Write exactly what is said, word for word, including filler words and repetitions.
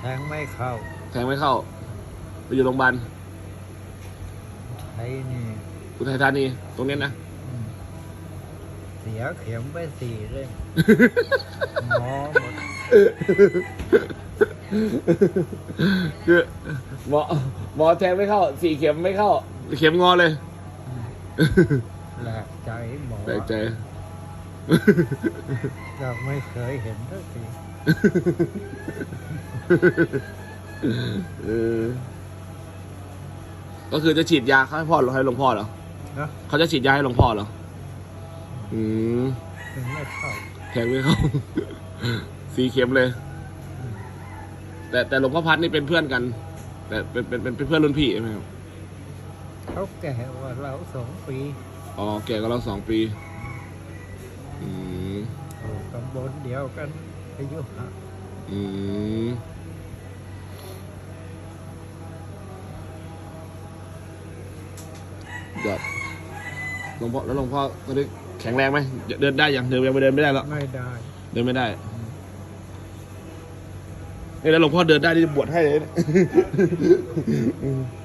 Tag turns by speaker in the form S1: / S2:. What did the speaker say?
S1: แทงไม่เข้า
S2: แทงไม่เข้าไปอยู่โรงพยาบาล
S1: ไทยนี่
S2: อุทัยธานีตรงนี้นะ
S1: เสียเข็มไปสี่เล่มหมอหมด
S2: คือหมอหมอแทงไม่เข้าสี่เข็มไม่เข้าเข็มงอเลย
S1: แปลกใจหมอ
S2: แปลกใจ
S1: เราไม่เคยเห็นสักที
S2: เออก็คือจะฉีดยาให้พ่อหรือให้หลวงพ่อเหรอ
S1: นะ
S2: เขาจะฉีดยาให้หลวงพ่อเหรออืม
S1: ถึงไม่เข้า
S2: แทงไม่เข้าสี่เข็มเลยแต่แต่หลวงพ่อพัดนี่เป็นเพื่อนกัน แต่เป็นเป็นเป็นเพื่อนรุ่นพี่ใช่ไหมครับ
S1: เขาแก่กว่าเราสองปี
S2: อ๋อแก่กว่าเราสองปีอืม
S1: อยู่ตำบลเดียวกันอายุห่าง
S2: อืมยอดหลวงพ่อแล้วหลวงพ่อตอนนี้แข็งแรงไหมเดินได้ยังเดินยังไม่เดินไม่ได้หรอ
S1: ไม่ได้
S2: เดินไม่ได้นี่แล้วหลวงพ่อเดินได้ที่บวชให้เลย